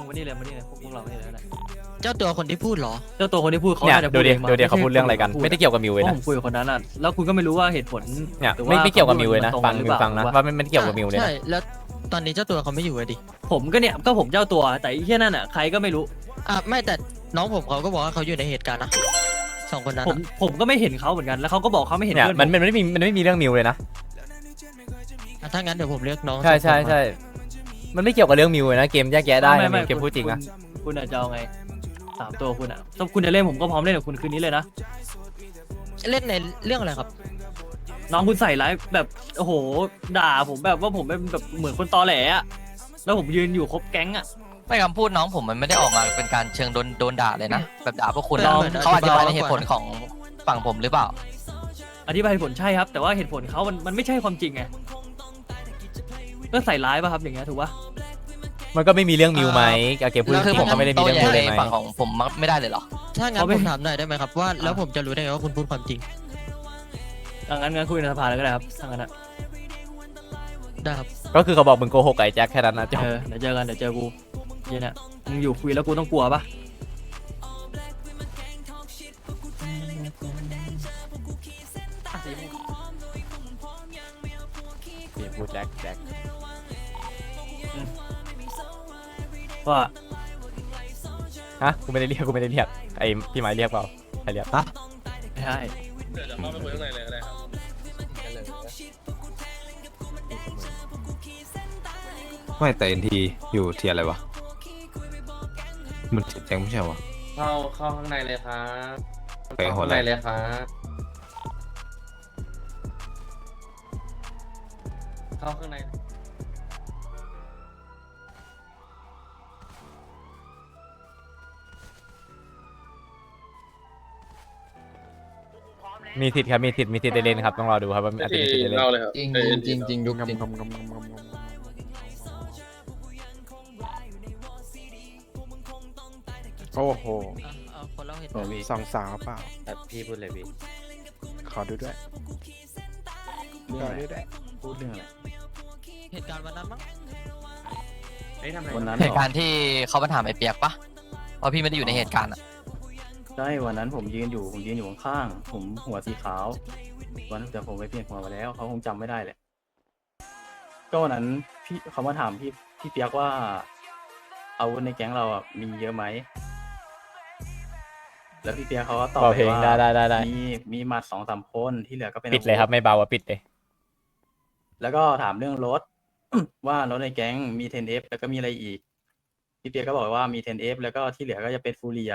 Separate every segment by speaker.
Speaker 1: มานี่เลยพวกเราไม่ได้แล้วแหละ
Speaker 2: เจ้าตัวคนที่พูดเหรอ
Speaker 1: เจ้าตัวคนที่พูดเขา
Speaker 3: เนี่ย
Speaker 1: น่าจะ
Speaker 3: ดู
Speaker 1: พูด
Speaker 3: ดิ
Speaker 1: เอง
Speaker 3: ดูดิเขาพูดเรื่องอะไรกัน ไม่ได้เกี่ยวกับมิวเลย
Speaker 1: เพราะ
Speaker 3: นะ
Speaker 1: ผมคุยกับคนนั้นอ่ะแล้วคุณก็ไม่รู้ว่าเหตุผล
Speaker 3: เนี่ย
Speaker 1: หรือ
Speaker 3: ไม่เกี่ยวกับมิวเลยนะ
Speaker 1: ตรง
Speaker 3: ฟัง
Speaker 1: หรือ
Speaker 3: มิ
Speaker 1: เป
Speaker 3: ว
Speaker 1: ล่า
Speaker 3: ฟังนะว่าไม่ได้เกี่ยวกับมิวเลย
Speaker 2: ใช่
Speaker 3: นะ
Speaker 2: แล้วตอนนี้เจ้าตัวเขาไม่อยู่เลยดิ
Speaker 1: ผมก็เนี่ยก็ผมเจ้าตัวแต่ไอ้แค่นั่นอ่ะใครก็ไม่รู้
Speaker 2: ไม่แต่น้องผมเขาก็บอกว่าเขาอยู่ในเหตุการณ์นะสองคนนั้น
Speaker 1: ผมก็ไม่เห็นเขาเหมือนกันแล้วเขาก็บอกเขาไม่เห็น
Speaker 3: เนี่ย
Speaker 1: เพื่อน
Speaker 3: มันไม่มีเรื่องมิวเลยนะ
Speaker 2: ถ้างั้นเดี๋ยวผมเรียกน้อง
Speaker 3: ใช่
Speaker 2: สองคนมา
Speaker 3: ใช่มันไม่เกี่ยวกับเรื่องมิวเลยนะเกมแยกแยะได้นะมิวเกมพูดจริงนะ
Speaker 1: คุณอาจจะเอาไง3 ตัวคุณอ่ะถ้าคุณจะเล่นผมก็พร้อมเล่นกับคุณคืนนี้เลยนะ
Speaker 2: เล่นในเรื่องอะไรครับ
Speaker 1: น้องคุณใส่ร้ายแบบโอ้โหด่าผมแบบว่าผมเป็นแบบเหมือนคนตอแหลอะแล้วผมยืนอยู่ครบแก๊งอะ
Speaker 4: ไม่คำพูดน้องผมมันไม่ได้ออกมาเป็นการเชิงโดนด่าเลยนะ แบบด่าพวกคุณ
Speaker 2: ล
Speaker 4: อะ
Speaker 2: อง
Speaker 4: เขาอธิบายใน
Speaker 2: อธิบาย
Speaker 4: เหตุผลของฝั่งผมหรือเปล่า
Speaker 1: อธิบายเหตุผลใช่ครับ แต่ว่าเหตุผลเขามันไม่ใช่ความจริงไงก็ใส่ร้ายป่ะครับอย่างเงี้ยถูกปะ
Speaker 3: มันก็ไม่มีเรื่องมิวไหมเกมพูด
Speaker 4: แล้ว
Speaker 3: จ
Speaker 4: คือ
Speaker 3: ริ
Speaker 4: ผม
Speaker 3: งก็ไม่ได้มี
Speaker 4: โต้
Speaker 3: เรื่อง
Speaker 4: แย้
Speaker 3: มิ
Speaker 4: ง
Speaker 3: วเล
Speaker 4: ใน
Speaker 3: ยไหม
Speaker 4: ฝั่งของผมไม่ได้เลยเหรอ
Speaker 2: ถ้างั้นผมถามหน่อยได้ไหมครับว่าแล้วผมจะรู้ได้ไงว่าคุณพูดความจริง
Speaker 1: งั้นคุยในสภาแล้วก็ได้ครับถ้างั้นอะ
Speaker 2: ได้ครับ
Speaker 3: ก็คือเขาบอกมึงโกหกไอ้แจ็คแค่นั้นนะจบ
Speaker 1: เดี๋ยวเจอกันเดี๋ยวเจอกูเย็นอะมึงอยู่คุยแล้วกูต้องกลัวปะ
Speaker 3: พูดแจ็ค
Speaker 1: ว่า
Speaker 3: ฮะกูไม่ได้เรียกไอ้พี่ไม้เรียกเปล่าใครเรียก
Speaker 1: ไม่ใช่
Speaker 5: เดี๋ยวเข้าไปคุยข้างในเลยก็ได้ครับ
Speaker 6: ไม่แต่เอ็นทีอยู่เทียร์อะไรวะ มันแจ้งไม่ใช่วะ
Speaker 5: เข้าข้างในเลยครับ
Speaker 6: ไปหัว
Speaker 5: ข้าง
Speaker 6: ไหล่
Speaker 5: ในเลยครับเข้าข้างใน
Speaker 3: มีสิทธิ์ครับมีสิทธิ์ได้เล่นครับต้องรอดูครับว่าอาจจะมีสิทธิ์ได้เล่น
Speaker 5: เล่าเลยครับ
Speaker 7: จริง
Speaker 5: เอ้ย
Speaker 7: จริงจริงยุคจริง
Speaker 8: โอ้โห
Speaker 2: เอาคนเล่าเหตุ
Speaker 8: โอ้
Speaker 2: การณ์
Speaker 8: มีสองสาวเปล่า
Speaker 7: พี่พูดเลยพี่
Speaker 8: ขอดูด้วยขอดูด้วย
Speaker 7: พูดเรื่องอะไร
Speaker 2: เหตุการณ์วันนั้นมั้ง
Speaker 7: วันนั้น
Speaker 4: เหตุการณ์ที่เขามาถามไอ้เปียกปะว่าพี่ไม่ได้อยู่ในเหตุการณ์อะ
Speaker 7: ใช่วันนั้นผมยืนอยู่ข้างๆผมหัวสีขาววันนั้นแต่ผมไปเปลี่ยนหัวมาแล้วเขาคงจำไม่ได้แหละก็วันนั้นพี่เขามาถามพี่เปียกว่าอาวุธในแก๊งเราอ่ะมีเยอะไหมแล้วพี่เปียกเขาก็ตอบ
Speaker 3: เบา
Speaker 7: ไป
Speaker 3: เพลง
Speaker 7: ว่า
Speaker 3: ได้
Speaker 7: มีหมัด2-3 คนที่เหลือก็เป็น
Speaker 3: ปิดเลยครับไม่เบาปิดเลย
Speaker 7: แล้วก็ถามเรื่องรถ ว่ารถในแก๊งมี 10F แล้วก็มีอะไรอีกพี่เปียกก็บอกว่ามี 10F แล้วก็ที่เหลือก็จะเป็นฟูเรีย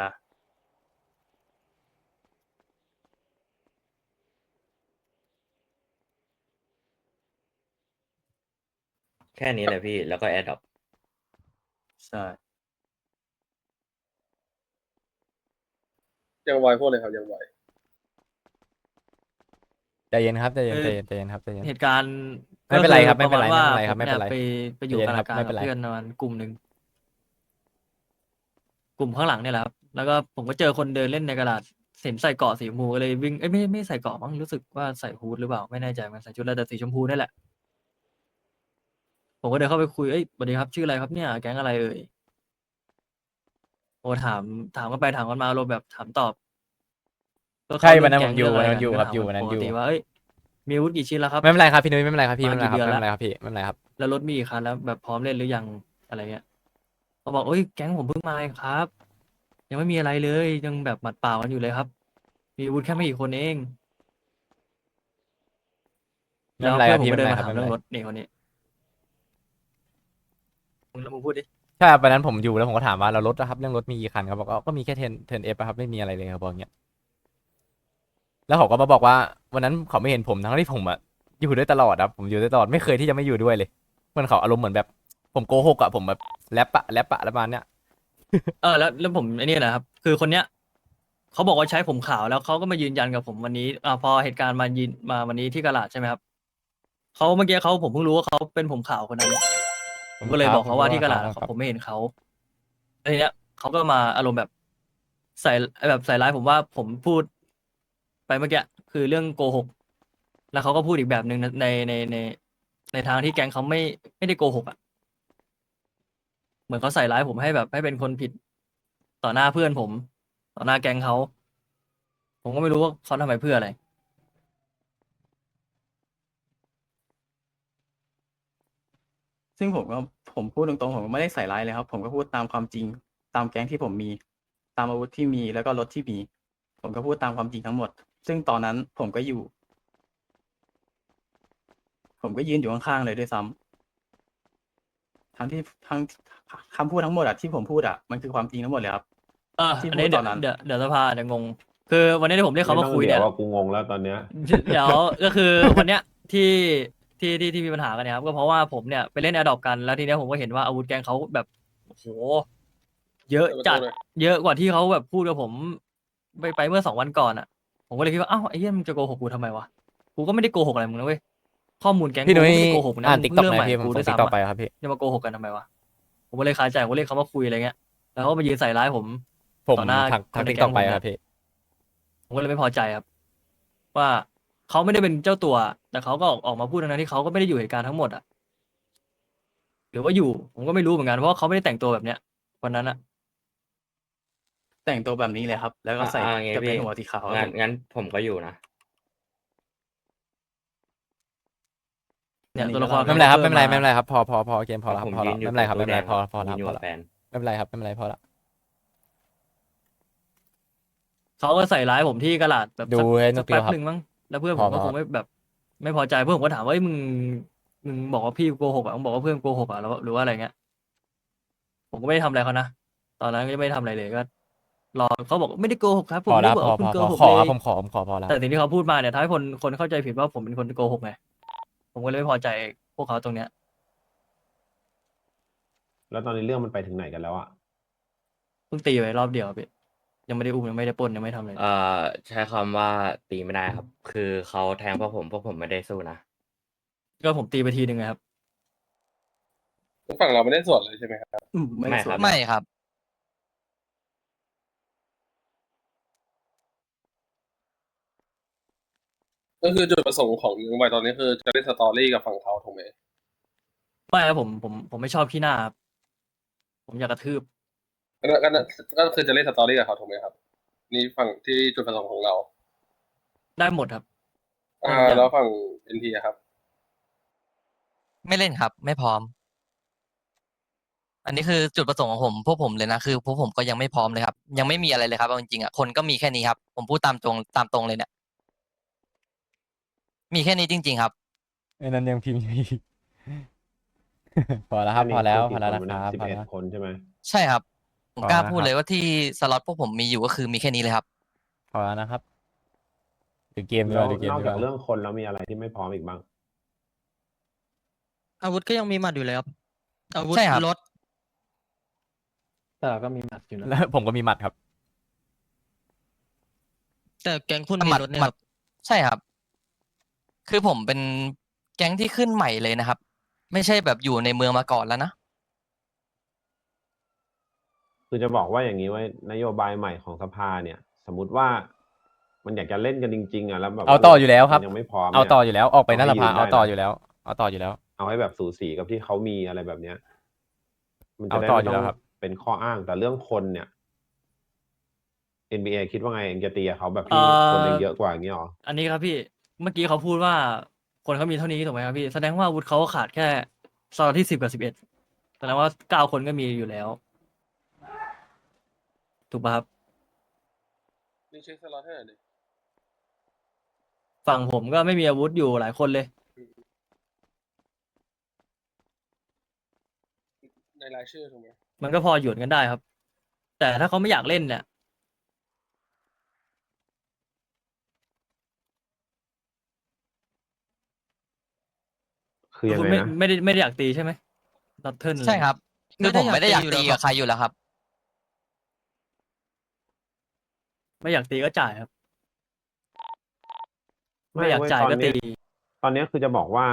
Speaker 9: แค่นี้แหละพี่ แล้วก็แอดดอป
Speaker 7: ใช่
Speaker 5: ยังไวพูดเลยครับยังไว
Speaker 3: ใจเย็นครับใจเย็นครับใจเย็น
Speaker 1: เหตุการณ์
Speaker 3: ไม่เป็นไรครับ
Speaker 1: ก็อ
Speaker 3: ไม่เป็นไร
Speaker 1: ปะาณว่า
Speaker 3: ไม่เป็นไร
Speaker 1: ผไปอยู่
Speaker 3: ใจเย็น
Speaker 1: กา
Speaker 3: ครั
Speaker 1: รา
Speaker 3: บ
Speaker 1: การ
Speaker 3: ไม่
Speaker 1: กั
Speaker 3: เป็น
Speaker 1: บ
Speaker 3: ไร
Speaker 1: เพื่อนประมาณกลุ่มหนึ่งกลุ่มข้างหลังเนี่ยแหละครับแล้วก็ผมก็เจอคนเดินเล่นในกระดาษเห็นใส่เกราะสีชมพูก็เลยวิ่งไม่ใส่เกราะมั้งรู้สึกว่าใส่ฮูดหรือเปล่าไม่แน่ใจมันใส่ชุดแล้วแต่สีชมพูนี่แหละ ผมก็เดินเข้าไปคุยสวัสดีครับชื่ออะไรครับเนี่ยแก๊งอะไรเอ่ยโอ้ถามกันไปถามกันมาอารมณ์แบบถามตอบก็
Speaker 3: ใช่
Speaker 1: เข้า
Speaker 3: วันนั้น
Speaker 1: เรื่
Speaker 3: ผ
Speaker 1: ง
Speaker 3: มอยู่
Speaker 1: แก๊ง
Speaker 3: วันนั้นอยู่
Speaker 1: เง
Speaker 3: ครับ
Speaker 1: ะ
Speaker 3: อยู่
Speaker 1: ไกั
Speaker 3: วันนั้น
Speaker 1: ป
Speaker 3: อก ยู่
Speaker 1: ติว่ามีอาวุธกี่ชิ้นแล้วครับ
Speaker 3: ไม่เป็นไรครับพี่นุ้ยไม่เป็นไรครับพี่
Speaker 1: มา
Speaker 3: ไม่เป็นไรครับ
Speaker 1: กี่เดือน
Speaker 3: ไม่
Speaker 1: ละ
Speaker 3: เป็นไรครับพี่ไม่เป็นไรครับ
Speaker 1: แล้วรถมีกี่คันแล้วแบบพร้อมเล่นหรือยังอะไรเงี้ยเขาบอกแก๊งผมเพิ่งมาเองครับ ยังไม่มีอะไรเลยยังแบบหมัดเปล่ากันอยู่เลยครับ มีอาวุธแค่ไม่กี่คนเอง
Speaker 3: ไม่
Speaker 1: แล้ว
Speaker 3: เป็นไร
Speaker 1: เพื่
Speaker 3: ค
Speaker 1: อ
Speaker 3: รั
Speaker 1: น
Speaker 3: บ
Speaker 1: ผม
Speaker 3: พี่
Speaker 1: ก็
Speaker 3: ไม่
Speaker 1: เดิ
Speaker 3: เป็น
Speaker 1: น
Speaker 3: ไร
Speaker 1: มา
Speaker 3: ครับ
Speaker 1: ถามเรื่องรถนี่คนนี้มึงพูดดิ
Speaker 3: ใช่ครับวันนั้นผมอยู่แล้วผมก็ถามว่าเรารถนะครับเรื่องรถมีกี่คันเขาบอกก็มีแค่10F ครับไม่มีอะไรเลยครับบอกอย่างเงี้ยแล้วเขาก็มาบอกว่าวันนั้นเขาไม่เห็นผมทั้งที่ผมอะอยู่ด้วยตลอดครับผมอยู่ด้วยตลอดไม่เคยที่จะไม่อยู่ด้วยเลยเหมือนเขาอารมณ์เหมือนแบบผมโกหกอะผมแบบแรปอะแล้วประมาณเนี้ย
Speaker 1: แล้วผมไอ้นี่นะครับ คือคนเนี้ยเขาบอกว่าใช้ผมขาวแล้วเขาก็มายืนยันกับผมวันนี้พอเหตุการณ์มาวันนี้ที่กะลาดใช่ไหมครับเขาเมื่อกี้ผมเพิ่งรู้ว่าเขาเป็นผมขาวคนนั้นผมก็เลยบอกเขาว่าที่กะลาดผมไม่เห็นเขาแล้วทีเนี้ยเขาก็มาอารมณ์แบบใส่ร้ายผมว่าผมพูดไปเมื่อกี้คือเรื่องโกหกแล้วเขาก็พูดอีกแบบหนึ่งในทางที่แก๊งเขาไม่ได้โกหกอ่ะเหมือนเขาใส่ร้ายผมให้แบบให้เป็นคนผิดต่อหน้าเพื่อนผม ต่อหน้าแก๊งเขา ผมก็ไม่รู้ว่าเขาทำไปเพื่ออะไร
Speaker 7: ซึ่งผมพูดตรงๆผมก็ไม่ได้ใส่ร้ายเลยครับ ผมก็พูดตามความจริง ตามแก๊งที่ผมมี ตามอาวุธที่มีแล้วก็รถที่มี ผมก็พูดตามความจริงทั้งหมด ซึ่งตอนนั้นผมก็อยู่ ผมก็ยืนอยู่ข้างๆเลยด้วยซ้ำทั้งคำพูดทั้งหมดอะที่ผมพูดอะมันคือความจริงทั้งหมดเลยครับ ที่
Speaker 1: อัน
Speaker 7: พู
Speaker 1: นี้
Speaker 7: ด
Speaker 1: เดี๋
Speaker 7: ต
Speaker 1: ย
Speaker 7: อ
Speaker 1: วน
Speaker 7: นั้น
Speaker 1: เดี๋ยวสภาเดี๋ยวงง คือวันนี้ที่ผมเรียกเขามาคุยเนี่ย
Speaker 6: ว่ากูงงแล้วตอนเนี้ย
Speaker 1: เดี๋ยวก็คือวันเนี้ยที่มีปัญหากันเนี่ยครับก็เพราะว่าผมเนี่ยไปเล่นแอดดอปกันแล้วทีเนี้ยผมก็เห็นว่าอาวุธแกงเขาแบบโอ้โหเยอะจัดเยอะกว่าที่เขาแบบพูดกับผมไปเมื่อ2 วันก่อนอ่ะ ผมก็เลยคิดว่าอ้าวไอ้เหี้ยมึงจะโกหกกูทำไมวะกูก็ไม่ได้โกหกอะไรมึงนะเว้ยข้อมูลแก๊งกู
Speaker 3: พี่นุ้ย
Speaker 1: ไม่ได้โกหกนะ
Speaker 3: อ่าน
Speaker 1: มึง
Speaker 3: ติ๊กต็อก
Speaker 1: เริ่ม
Speaker 3: ไห
Speaker 1: ให
Speaker 3: ม
Speaker 1: ม่
Speaker 3: พี่ผม
Speaker 1: กู
Speaker 3: ส่
Speaker 1: ด้
Speaker 3: ง
Speaker 1: วย
Speaker 3: ติ๊กต็อก
Speaker 1: ซ้ำ
Speaker 3: ไป
Speaker 1: อะ
Speaker 3: ครับพี่
Speaker 1: จะมาโกหกกันทำไมวะผมก็เลยคาใจผมก็เรียกเขามาคุยอะไรเงี้ยแล้วเขาก็มายืนใส่ร้ายผม
Speaker 3: ผม
Speaker 1: ต่อหน้า
Speaker 3: ทัก
Speaker 1: คนใน
Speaker 3: ติ๊ก
Speaker 1: แก๊
Speaker 3: ต็อง กไป
Speaker 1: ผมเนี่ย
Speaker 3: ครับพี่
Speaker 1: ผมก็เลยไม่พอใจครับ ว่าเขาไม่ได้เป็นเจ้าตัว แต่เขาก็ออกมาพูดทั้งนั้นที่เขาก็ไม่ได้อยู่เหตุการณ์ทั้งหมดอ่ะหรือว่าอยู่ ผมก็ไม่รู้เหมือนกันเพราะว่าเขาไม่ได้แต่งตัวแบบเนี้ยวันนั้นอ่ะ
Speaker 7: แต่งตัวแบบนี้เลยครับ แล้วก็ใส่
Speaker 9: ไง
Speaker 7: กระเป็
Speaker 9: พี่
Speaker 7: นหัวสีขาวครับ
Speaker 9: งั้นผมก็อยู่นะ
Speaker 1: เนี่ย
Speaker 7: อันนี้
Speaker 1: ตัวละคร
Speaker 7: ก็
Speaker 3: ไม่เป็นไรครับ
Speaker 1: พิ่
Speaker 3: ไม่เป็นไรพอเกมพอแล้วครับ
Speaker 9: ผม
Speaker 3: พอ
Speaker 9: ยื
Speaker 3: แล้ว
Speaker 9: นอยู่
Speaker 3: ไม่เป็นไรครับ
Speaker 9: ตร
Speaker 3: ไม่
Speaker 9: ง
Speaker 3: เป็นไร
Speaker 9: ตู้
Speaker 3: พอ
Speaker 9: แดง
Speaker 3: แล้ว
Speaker 9: ยืนอยู่
Speaker 3: พอ
Speaker 9: กับ
Speaker 3: แล้ว
Speaker 9: แฟน
Speaker 3: ไม่เป็นไรครับไม่เป็นไรพอแล้ว
Speaker 1: เขาก็ใส่ร้ายผมที่กระดาษแบบ
Speaker 3: ดู
Speaker 1: สัก
Speaker 3: ให้น
Speaker 1: สั
Speaker 3: ก
Speaker 1: ก
Speaker 3: เดียว
Speaker 1: แป๊บ
Speaker 3: ครับ
Speaker 1: หนึ่งมั้งแล้วเพื่อน
Speaker 3: พ
Speaker 1: ผ
Speaker 3: อ
Speaker 1: มก็
Speaker 3: พอ
Speaker 1: คงไม่แบบ ไม่พอใจเพื่อนผมก็ถามว่าเอ้ยมึงบอกว่าพี่โกหกอ่ะมึงบอกว่าเพื่อนโกหกอ่ะแล้วหรือว่าอะไรเงี้ยผมก็ไม่ได้ทำอะไรเขานะตอนนั้นก็ไม่ได้ทำอะไรเลยก็รอเขาบอกไม่ได้โกหกครับผม
Speaker 3: พอ
Speaker 1: ไม่
Speaker 3: แล้
Speaker 1: ได้
Speaker 3: ว
Speaker 1: บอกว่าคุณโกหก
Speaker 3: ขอ
Speaker 1: เล
Speaker 3: ครับ
Speaker 1: ย
Speaker 3: ผมขอพอแล้ว
Speaker 1: แต่สิ่งที่เขาพูดมาเนี่ยทำให้คนเข้าใจผิดว่าผมเป็นคนโกหกไงผมก็เลยไม่พอใจพวกเขาตรงเนี้ย
Speaker 6: แล้วตอนนี้เรื่องมันไปถึงไหนกันแล้วอะ
Speaker 1: เพิ่งตีไปรอบเดียวพี่ยังไม่ได้อุ้มยังไม่ได้ปล้นยังไม่ทำอะไร
Speaker 9: ใช้คำว่าตีไม่ได้ครับ คือเขาแทงพวกผมไม่ได้สู้นะ
Speaker 1: ก็ผมตีไปทีหนึ่งไงครับ
Speaker 5: ฝั่งเราไม่ได้ส่วนเลยใช่ไหมครับ
Speaker 7: ไม่
Speaker 9: ไม่
Speaker 7: สว
Speaker 9: ครั
Speaker 7: น
Speaker 9: บ
Speaker 4: ไม่ครับ
Speaker 5: ก็คือจุดประสงค์ของยังไวตอนนี้คือจะเล่นสตอรี่กับฝั่งเขาถูกไหม
Speaker 1: ไม่ครับผมไม่ชอบขี้หน้าครับผมอยากกระทืบ
Speaker 5: ก็คือจะเล่นสตอรี่กับเขาถูกไหมครับ นี่ฝั่งที่จุดประสงค์ของเรา
Speaker 1: ได้หมดครับ
Speaker 5: แล้วฝั่งเอ็นทีครับ
Speaker 4: ไม่เล่นครับ ไม่พร้อม อันนี้คือจุดประสงค์ของผมพวกผมเลยนะคือพวกผมก็ยังไม่พร้อมเลยครับ ยังไม่มีอะไรเลยครับเอาจริงๆอ่ะคนก็มีแค่นี้ครับ ผมพูดตามตรงเลยเนี่ย มีแค่นี้จริง ๆ ครับ
Speaker 3: ไอ้นั้นยังพิมพ์อยู่อีก พอแล้วครับพอแล้วนะครับ
Speaker 6: 11
Speaker 3: พอแล้ว
Speaker 6: คนใช่ไหม
Speaker 4: ใช่ครับ ผม
Speaker 3: พอก
Speaker 4: ล้า
Speaker 3: แล้ว
Speaker 4: พูด
Speaker 3: นะครับ
Speaker 4: เลยว่าที่สล็อตพวกผมมีอยู่ก็คือมีแค่นี้เลยครับ
Speaker 3: พอแล้วนะครับดูเกมดีก
Speaker 6: แล้ว
Speaker 3: ว่าดูเกม
Speaker 6: นอก
Speaker 3: ดีก
Speaker 6: จาก
Speaker 3: ว่า
Speaker 6: เรื่องคนแล้วมีอะไรที่ไม่พร้อมอีกบ้าง
Speaker 2: อาวุธก็ยังมีหมัดอยู่เลยครับอาวุธ
Speaker 4: ใช่ครับ
Speaker 2: รถ
Speaker 7: แต่เราก็มีหมัดอยู่นะ
Speaker 3: แล้วผมก็มีหมัดครับ
Speaker 2: แต่แก๊งคุณ
Speaker 4: ห
Speaker 2: มี
Speaker 4: มัด
Speaker 2: รถเนี่ย
Speaker 4: ห
Speaker 2: ค
Speaker 4: มั
Speaker 2: รั
Speaker 4: ด
Speaker 2: บ
Speaker 4: ใช่ครับ คือผมเป็นแก๊งที่ขึ้นใหม่เลยนะครับ ไม่ใช่แบบอยู่ในเมืองมาก่อนแล้วนะ
Speaker 6: คือจะบอกว่าอย่างนี้ไว้นโยบายใหม่ของสภาเนี่ย สมมติว่ามันอยากจะเล่นกันจริงๆอ่ะแล้วแบบ
Speaker 3: เอาต่ออยู่แล้วครับ
Speaker 6: มันยังไม่พร้อม
Speaker 3: เอา
Speaker 6: นี่ย
Speaker 3: ต่ออยู่แล้วออกไปหน้าสภา
Speaker 6: เอาให้ยืนได้
Speaker 3: เอาต่อ
Speaker 6: นะ
Speaker 3: อยู่แล้ว เอาต่ออยู่แล้ว
Speaker 6: เอาให้แบบสูสีกับที่เขามีอะไรแบบเนี้ย มันจะได้
Speaker 3: เอาต่อ
Speaker 6: ไม่
Speaker 3: อยู่
Speaker 6: ต้
Speaker 3: แล้
Speaker 6: อง
Speaker 3: วครับ
Speaker 6: เป็นข้ออ้างแต่เรื่องคนเนี่ย NBA คิดว่าไงเองจะตีกับเขาแบบที่คนเองเยอะกว่าอย่างนี้หรอ
Speaker 1: อันนี้ครับพี่เมื่อกี้เขาพูดว่าคนเขามีเท่านี้ถูกไหมครับพี่แสดงว่าอาวุธเขาขาดแค่สล็อตที่10 กับ 11แสดงว่า9 คนก็มีอยู่แล้ว ถูกป่ะครับ
Speaker 5: นี่เช็คสล็อตให้หน่อยดิ
Speaker 1: ฝั่งผมก็ไม่มีอาวุธอยู่หลายคนเลย
Speaker 5: ในรายชื่อถูกไหม
Speaker 1: มันก็พอหยุดกันได้ครับ แต่ถ้าเขาไม่อยากเล่นเนี่ย
Speaker 6: คือยัง
Speaker 1: คุณ
Speaker 6: ไง
Speaker 1: ไม่
Speaker 6: นะ
Speaker 1: ไม่ได้อยากตีใช่ไหมนัดเทิล
Speaker 4: ใช่ครับ คือผมไม่ได้อยากตี
Speaker 2: ไม่ได้อยากตีอยู่แล้ว
Speaker 4: กับใครอยู่แล้วครับ
Speaker 1: ไม่อยากตีก็จ่ายครับ ไม่อยาก
Speaker 6: เว้
Speaker 1: จ่ายก็
Speaker 6: ตอน
Speaker 1: ตี
Speaker 6: เนี้ยตอนเนี้ยคือจะบอกว่า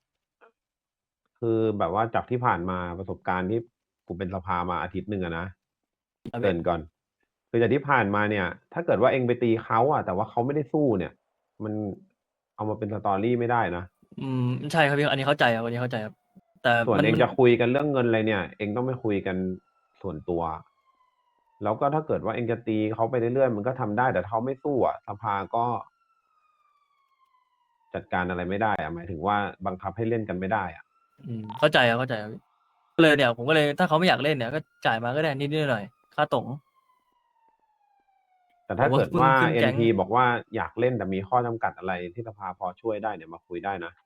Speaker 6: คือแบบว่าจากที่ผ่านมาประสบการณ์ที่ผมเป็นสภามาอาทิตย์หนึ่งอะนะ
Speaker 1: ครับ
Speaker 6: เกรินก่อน คือจากที่ผ่านมาเนี่ย ถ้าเกิดว่าเองไปตีเขาอะแต่ว่าเขาไม่ได้สู้เนี่ย มันเอามาเป็นสตอรี่ไม่ได้นะ
Speaker 1: ใช่ครับพี่อันนี้เข้าใจครับอันนี้เข้าใจครับ แต่แต่
Speaker 6: ส่วน
Speaker 1: มัน
Speaker 6: เองจะคุยกันเรื่องเงินอะไรเนี่ย เองต้องไปคุยกันส่วนตัว แล้วก็ถ้าเกิดว่าเองจะตีเขาไปเรื่อยๆมันก็ทำได้แต่เขาไม่สู้อ่ะสภาก็ จัดการอะไรไม่ได้อะหมายถึงว่าบังคับให้เล่นกันไม่ได้อ่ะ
Speaker 1: เข้าใจครับเข้าใจครับก็เลยเนี่ยผมก็เลยถ้าเขาไม่อยากเล่นเนี่ยก็จ่ายมาก็ได้นิดๆหน่อยๆค่าตรง
Speaker 6: แต่ถ้า
Speaker 1: ผมว่า
Speaker 6: เกิดว่า
Speaker 1: ขึ้นแก๊ง
Speaker 6: NP บอกว่าอยากเล่นแต่มีข้อจำกัดอะไรที่สภาพอช่วยได้เนี่ยมาคุยได้นะ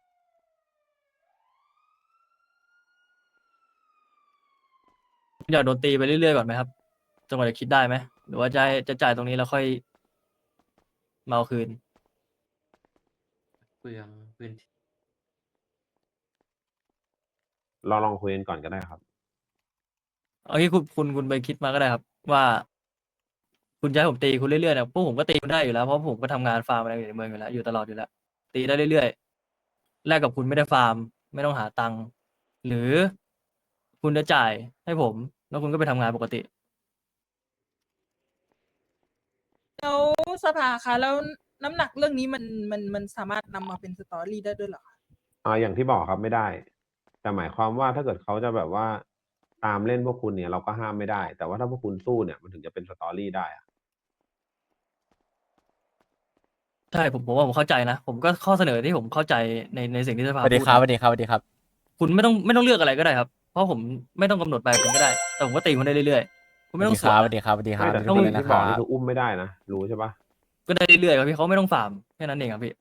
Speaker 1: อยากโดนตีไปเรื่อยๆก่อนไหมครับจนกว่าจะคิดได้ไหมหรือว่าจะจ่ายตรงนี้แล้วค่อยมาเอาคืน
Speaker 9: เปลืองพื้นที่
Speaker 6: เราลองคุยกันก่อนก็ได้ครับ
Speaker 1: เอางี้คุณไปคิดมาก็ได้ครับ ว่า คุณจะให้ผมตีคุณเรื่อยๆเนี่ยพวกผมก็ตีคุณได้อยู่แล้วเพราะผมก็ทำงานฟาร์มอะไรอยู่ในเมืองอยู่แล้วอยู่ตลอดอยู่แล้ว ตีได้เรื่อยๆแลกกับคุณไม่ได้ฟาร์ม ไม่ต้องหาตังค์หรือคุณจะจ่ายให้ผม แล้วคุณก็ไปทำงานปกติ
Speaker 10: แล้วสภาคะแล้วน้ำหนักเรื่องนี้มันสามารถนำมาเป็นสตอรี่ได้ด้วยเหรอคะ
Speaker 6: อย่างที่บอกครับไม่ได้ แต่หมายความว่าถ้าเกิดเขาจะแบบว่าตามเล่นพวกคุณเนี่ยเราก็ห้ามไม่ได้ แต่ว่าถ้าพวกคุณสู้เนี่ยมันถึงจะเป็นสตอรี่ได้อะ
Speaker 1: ใช่ผมว่าผมเข้าใจนะ ผมก็ข้อเสนอที่ผมเข้าใจในสิ่งที่ส
Speaker 3: ส
Speaker 1: ภา
Speaker 3: วัสดี
Speaker 1: พูด
Speaker 3: ครับ
Speaker 1: นะ
Speaker 3: สวัสดีครับสวัสดีครับ
Speaker 1: คุณไม่ต้องเลือกอะไรก็ได้ครับ เพราะผมไม่ต้องกำหนดไปคุณก็ได้ แต่ผมก็ตีคุณได้เรื่อยๆคุณไม่ต้องสวน
Speaker 3: สวัสดี
Speaker 1: นะ
Speaker 3: ครับสวัสดีครับ
Speaker 6: ไม่แต่
Speaker 3: สวัสดี
Speaker 6: ที่
Speaker 3: นะ
Speaker 6: ที่
Speaker 3: ค
Speaker 6: บอ
Speaker 3: รั
Speaker 6: กนี่
Speaker 3: บ
Speaker 6: คืออุ้มไม่ได้นะรู้ใช่ปะ
Speaker 1: ก็ได้เรื่อยๆครับพี่เขาไม่ต้องฟาร์มแค่นั้นเองครับพี่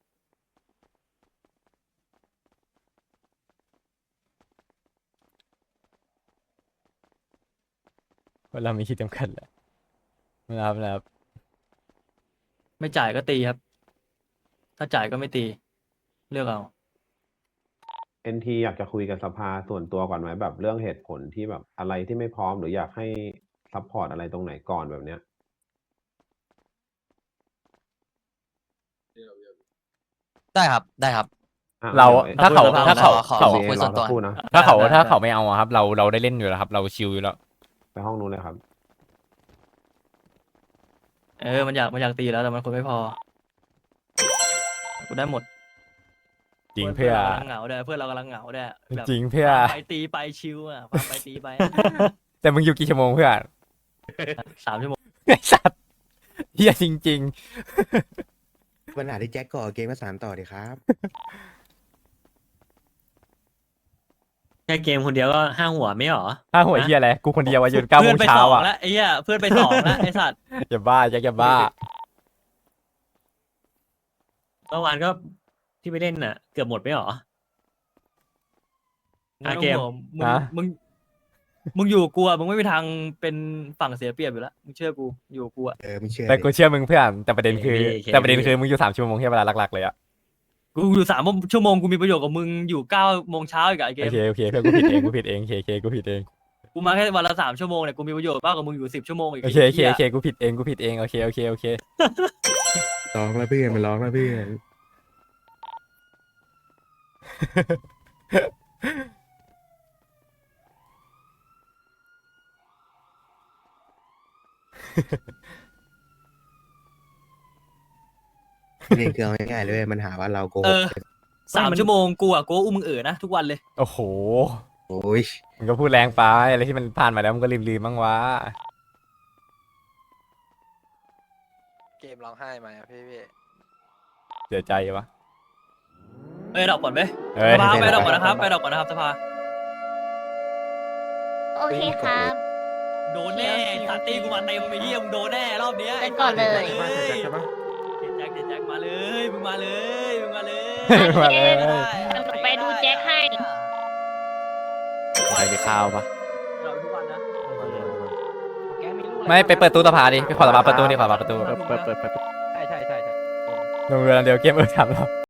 Speaker 3: เวลามีขีดจำกัดแหละนะครับ
Speaker 1: ไม่จ่ายก็ตีครับ ถ้าจ่ายก็ไม่ตี เลือกเอา
Speaker 6: NT อยากจะคุยกับสภาส่วนตัวก่อนไหมแบบเรื่องเหตุผลที่แบบอะไรที่ไม่พร้อมหรืออยากให้ซัพพอร์ตอะไรตรงไหนก่อนแบบเนี้ย
Speaker 4: ได้ครับได้ครับ
Speaker 6: อ่ะ
Speaker 3: เรา
Speaker 6: ดี๋ยว
Speaker 3: ถ้าเขา
Speaker 1: ดี๋ยว
Speaker 3: ถ้าเขา
Speaker 4: ขอ
Speaker 3: เขา
Speaker 4: คุยส่วนตัว
Speaker 6: รอสักครู่นะ
Speaker 3: ถ้าเขา
Speaker 1: ได้
Speaker 3: ถ้า
Speaker 1: ได้
Speaker 3: เขาไม่เอาอะครับ เราได้เล่นอยู่แล้วครับ เราชิลอยู่แล้ว
Speaker 6: ไปห้องนู้นเลยครับ
Speaker 1: มันอยากตีแล้วแต่มันคนไม่พอกูได้หมด
Speaker 3: จริงเพื่อ
Speaker 1: เรากำลังเหงาด้วยเพื่อนเรากำลังเหงาด้วยแบบ
Speaker 3: จริงเพื่อ
Speaker 1: ไปตีไปชิวอ่ะพาไปตีไป
Speaker 3: แต่มึงอยู่กี่ชั่วโมงเพื่อน
Speaker 1: 3 ชั่วโมง
Speaker 3: ไอ้สัตว์เฮียจริง
Speaker 8: ปัญหาที่แจ็คก่อเกมมา3ต่อดีครับ
Speaker 9: แค่เกมคนเดียวก็5 หัวไม่หรอ
Speaker 3: ๆถ้าหัวเฮียอะไรกูคนเดียวอะยืน9 โม
Speaker 1: เพื่อน
Speaker 3: ง
Speaker 1: ไป
Speaker 3: เช้า
Speaker 1: 2
Speaker 3: อ่ะ
Speaker 1: แล้วไอ้เหี้ยเพื่อนไป2แล้วไอ้สัตว์
Speaker 3: อย่าบ้าแจ็คอย่าบ้า
Speaker 9: เมื่อวานก็ที่ไปเล่นน่ะ เกือบหมดไม่หรอ
Speaker 1: ไม่ต้อง
Speaker 9: เกม
Speaker 1: ห่วง
Speaker 3: ฮะ
Speaker 1: มึงอยู่กับกูอ่ะมึงไม่มีทางเป็นฝั่งเสียเปรียบอยู่แล้วมึงเชื่อกูอยู่กับกูอ่ะ
Speaker 8: ไม่เชื่อ
Speaker 3: แต่กูเชื่อมึงเพื่อนแต่ประเด็นคือ
Speaker 9: โอเค
Speaker 3: แต่ประเด็นคือมึงอยู่3 ชั่วโมงแค่เวลาหลักๆเลยอะ
Speaker 1: กูอยู่3 ชั่วโมงกูมีประโยชน์กับมึงอยู่9 โมงเช้าอีกอะไอ้เก
Speaker 3: โอ
Speaker 1: ม
Speaker 3: เคโอเคเพื่อนกูผิดเองกูผิดเองเคกูผิดเอง
Speaker 1: กูมาแค่วันละ3 ชั่วโมงเนี่ยกูมีประโยชน์มากกว่ามึงอยู่10 ชั่วโมงอีก
Speaker 3: โอเคโอเคโอเคกูผิดเองกูผิดเองโอเคโอเคโอเค
Speaker 8: ร้องแล้วเพื่อนมันร้องแล้วเพื่อน นี่คือเอาง่ายๆเลยเว้ยมันหาว่าเราโกหก
Speaker 1: 3 ชั่วโมงกูอ่ะกูอุ้มมึงนะทุกวันเลย
Speaker 3: โอ้โห
Speaker 8: โอ้ย
Speaker 3: มึงก็พูดแรงไปอะไรที่มันผ่านมาแล้วมึงก็ลืมบ้างวะ
Speaker 2: เกมร้องไห้ไหมพี่
Speaker 3: เสียใจวะ
Speaker 1: ไปดอกก่อนไหม
Speaker 3: เอ้ย
Speaker 1: สภาไปดอกก่อนนะครับไปดอกก่อนนะครับสภา
Speaker 11: โอเคครับ
Speaker 1: โดนแน่ตัดตีกูมาเต็มไปเยี่ยมงโดนแน่รอบเนี้ย
Speaker 11: ไปก่อนเลย
Speaker 1: เจ็ดแจ็คมาเลยมึงมาเลยมึงมาเลย
Speaker 3: มาเลย
Speaker 11: เดี๋ยวหนูไปดูแจ็คให้
Speaker 3: ใครไปข้าวปะ
Speaker 1: เราทุกวันนะ
Speaker 3: ไม่ไปเปิดตู้สภาดิไปขอสภาประตูดิขอสภาประตู
Speaker 1: เปิด
Speaker 3: ลงเรือลำเดียวเกมถามเรา